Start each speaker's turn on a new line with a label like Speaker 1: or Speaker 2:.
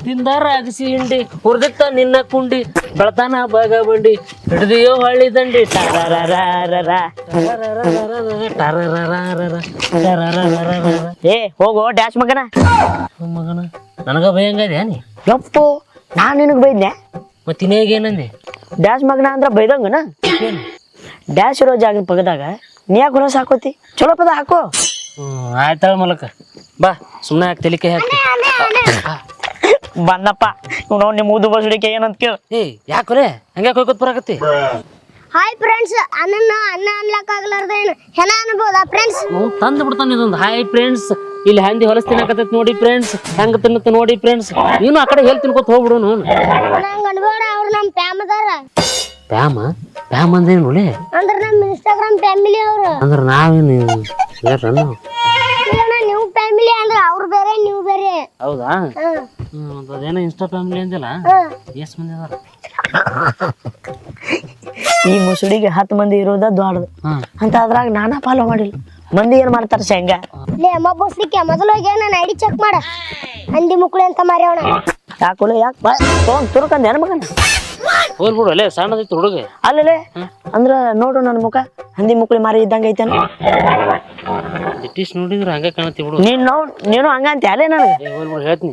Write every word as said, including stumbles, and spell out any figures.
Speaker 1: ತಿಂದಾರ ಅಗಸಿ ಹಿಂಡಿ ಹುರ್ದಿತ್ತ ನಿನ್ನ ಕುಂಡಿ ಬೆಳತಾನ ಬಾಗ ಬಂಡಿ ಹಿಡ್ದಿಯೋ ಹಳ್ಳಿ ದಂಡಿ
Speaker 2: ಏ ಹೋಗೋ ಡ್ಯಾಶ್ ಮಗನ
Speaker 1: ಮಗನ ನನಗ ಭಯಂಗದೆ ನೀ
Speaker 2: ಯಪ್ಪು ನಾನ್ ನಿನಗ್ ಬೈದ್ನೆ
Speaker 1: ಮತ್ತಿನೇಗ ಏನಂದೆ
Speaker 2: ಡ್ಯಾಶ್ ಮಗನ ಅಂದ್ರ ಬೈದಂಗನ ಡ್ಯಾಶ್ ಇರೋ ಜಾಗ ಪಗದಾಗ ನೀ ಯಾಕೆ ಹೊಲಸ ಹಾಕೋತಿ ಚಲೋ ಪದ ಹಾಕೋ
Speaker 1: ಹ್ಮ್ ಆಯ್ತಾಳ ಮೂಲಕ ಬಾ ಸುಮ್ಮನೆ ಹಾಕಿ ತಲಿಕೆ ಹಾಕಿ
Speaker 2: ಬಂದಪ್ಪ ಇವ್ ನಿಮ್ಮ ಊದು ಬಸಡಿಕೆ ಏನಂತ ಕೇಳ
Speaker 1: ಏ ಯಾಕ್ರೆ ಹಂಗ್ಯಾಕೆ ಹೋಗ್ಕೊತ್ ಬರಾಕತ್ತಿ
Speaker 3: ಹಾಯ್ ಫ್ರೆಂಡ್ಸ್ ಅನ್ನ ಅನ್ನ ಅನ್ಲಕ್ ಆಗ್ಲಾರ್ದೇನು ಹೆಣ ಅನ್ಬೋದಾ ಫ್ರೆಂಡ್ಸ್
Speaker 1: ಅವ್ನು ತಂದು ಬಿಡ್ತಾನೆ ಇದೊಂದು ಹಾಯ್ ಫ್ರೆಂಡ್ಸ್ ಇಲ್ಲಿ ಹಂದಿ ಹೊಲಸ್ ತಿನ್ನಕತ್ತೈತಿ ನೋಡಿ ಫ್ರೆಂಡ್ಸ್ ಹೆಂಗ ತಿನ್ನತ್ತ ನೋಡಿ ಫ್ರೆಂಡ್ಸ್ ನೀನು ಆ ಕಡೆ ಹೇಳ್ ತಿನ್ಕೋತ ಹೋಗ್ಬಿಡು ನೋನು
Speaker 3: ನಂಗೆ ಅನ್ಬೋಡ ಅವ್ರು ನಮ್ಮ ಪ್ಯಾಮ್ ಅದಾರ
Speaker 1: ಪ್ಯಾಮ ಪ್ಯಾಮ್ ಅಂದೇನು ನೋಡಿ
Speaker 3: ಅಂದ್ರೆ ನಮ್ಮ ಇನ್ಸ್ಟಾಗ್ರಾಮ್ ಫ್ಯಾಮಿಲಿ ಅವರು
Speaker 1: ಅಂದ್ರೆ ನಾವೇನು ಯಾರನ್ನು
Speaker 3: ಇಲ್ಲ ನೀವು ಫ್ಯಾಮಿಲಿ ಅಂದ್ರೆ ಅವ್ರು ಬೇರೆ ನೀವು ಬೇರೆ
Speaker 1: ಹೌದಾ
Speaker 3: ಹ್ಮ್
Speaker 1: ಹ್ಮ್ ಅದೇನೋ ಇನ್ಸ್ಟಾ ಫ್ಯಾಮಿಲಿ ಅಂದಿಲ್ಲ
Speaker 3: ಹ್ಮ್
Speaker 1: ಎಷ್ಟು ಮಂದಿ ಅದಾರ
Speaker 2: ಈ ಮುಸುಡಿಗೆ ಹತ್ತು ಮಂದಿ ಇರೋದ ದೊಡ್ಡದು
Speaker 1: ಹ್ಮ್
Speaker 2: ಅಂತ ಅದ್ರಾಗ ನಾನಾ ಫಾಲೋ ಮಾಡಿಲ್ಲ ಮಂದಿ ಏನ್ ಮಾಡ್ತಾರ ಶೇಂಗಾ
Speaker 3: ಲೇ ಅಮ್ಮ ಬೋಸ್ಲಿಕ್ಕೆ ಮೊದಲು ಹೋಗಿ ನಾನು ಐಡಿ ಚೆಕ್ ಮಾಡ ಹಂದಿ ಮುಕ್ಕಳಿ ಅಂತ ಮಾರ್ಯಾವಣ
Speaker 2: ಯಾಕೊಲೆ ಯಾಕೆ ಬಾ ತೊಗೊಂಡ್ ತುರ್ಕಂದ ಏನ್ ಮಗನ
Speaker 1: ಹೋಲ್ ಬಿಡು ಅಲ್ಲೇ ಸಣ್ಣದೈತಿ ಹುಡುಗ
Speaker 2: ಅಲ್ಲೇ ಅಂದ್ರ ನೋಡು ನನ್ನ ಮುಖ ಹಂದಿ ಮುಕ್ಳಿ ಮಾರಿ ಇದ್ದಂಗ ಐತೇನ
Speaker 1: ಡಿಟಿಸ್ ನೋಡಿದ್ರೆ ಹಂಗೆ ಕಾಣತ್ತಿ ಬಿಡು
Speaker 2: ನೀನ್ ನೋಡ್ ನೀನು ಹಂಗ ಅಂತ ಅಲ್ಲೇ ನನಗೆ
Speaker 1: ಹೋಲ್ ಬಿಡು ಹೇಳ್ತೀನಿ